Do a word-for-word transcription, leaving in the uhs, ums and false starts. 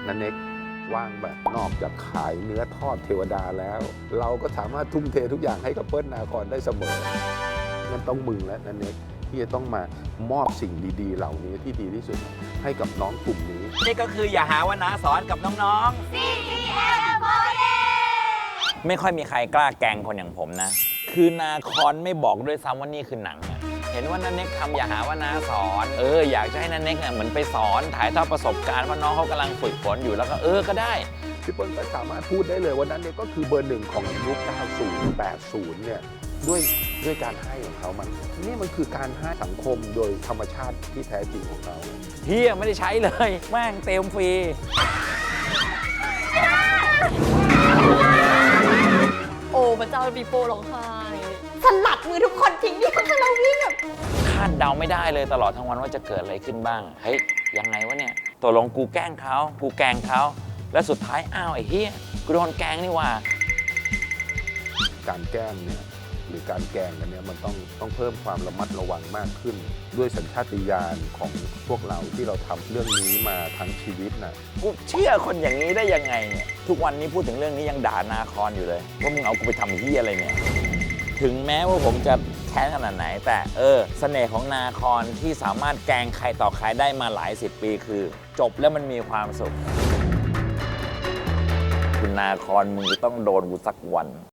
นันเน็กว่างแบบนอกจากขายเนื้อทอดเทวดาแล้ว เราก็สามารถทุ่มเททุกอย่างให้กับเปิ้ลนาครได้เสมองั้นต้องมึงและนันเน็กที่จะต้องมามอบสิ่งดีๆ เหล่านี้ที่ดีที่สุดให้กับน้องกลุ่มนี้นี่ก็คืออย่าหาว่าน้าสอนกับน้องๆ ซี ที เอ็ม โฟร์ ไม่ค่อยมีใครกล้าแกล้งคนอย่างผมนะ คือนาคอนไม่บอกด้วยซ้ำว่านี่คือหนังอะเห็นว่านันเน็กทำอย่าหาว่าน้าสอน เอออยากจะให้นันเน็กเนี่ยเหมือนไปสอนถ่ายทอดประสบการณ์ว่าน้องเขากำลังฝึกฝนอยู่แล้วก็เออก็ได้พี่เปิ้ลก็สามารถพูดได้เลยว่านั้นเนี่ยก็คือเบอร์หนึ่งของยุคเก้าสิบ แปดสิบเนี่ยด้วยด้วยการให้ของเขามันนี่มันคือการให้สังคมโดยธรรมชาติที่แท้จริงของเขาเฮียไม่ได้ใช้เลยแม่งเต็มฟรีโอ้พระเจ้าปีโป้ร้องไห้สลัดมือทุกคนทิ้งดิคือเราวิ่งแบบคาดเดาไม่ได้เลยตลอดทั้งวันว่าจะเกิดอะไรขึ้นบ้างเฮ้ยยังไงวะเนี่ยตกลงกูแกล้งเขากูแกล้งเขาแล้วสุดท้ายอ้าวไอ้เฮียกูโดนแกล้งนี่ว่าการแกล้งเนี่ยหรือการแกล้งกันเนี่ยมันต้องต้องเพิ่มความระมัดระวังมากขึ้นด้วยสัญชาตญาณของพวกเราที่เราทำเรื่องนี้มาทั้งชีวิตนะกูเชื่อคนอย่างนี้ได้ยังไงเนี่ยทุกวันนี้พูดถึงเรื่องนี้ยังด่านาคอนอยู่เลยว่ามึงเอากูไปทำเฮียอะไรเนี่ยถึงแม้ว่าผมจะแค้นขนาดไหนแต่เออเสน่ห์ของนาคอนที่สามารถแกล้งใครต่อใครได้มาหลายสิบปีคือจบแล้วมันมีความสุขคุณนาคอนมึงจะต้องโดนกูสักวัน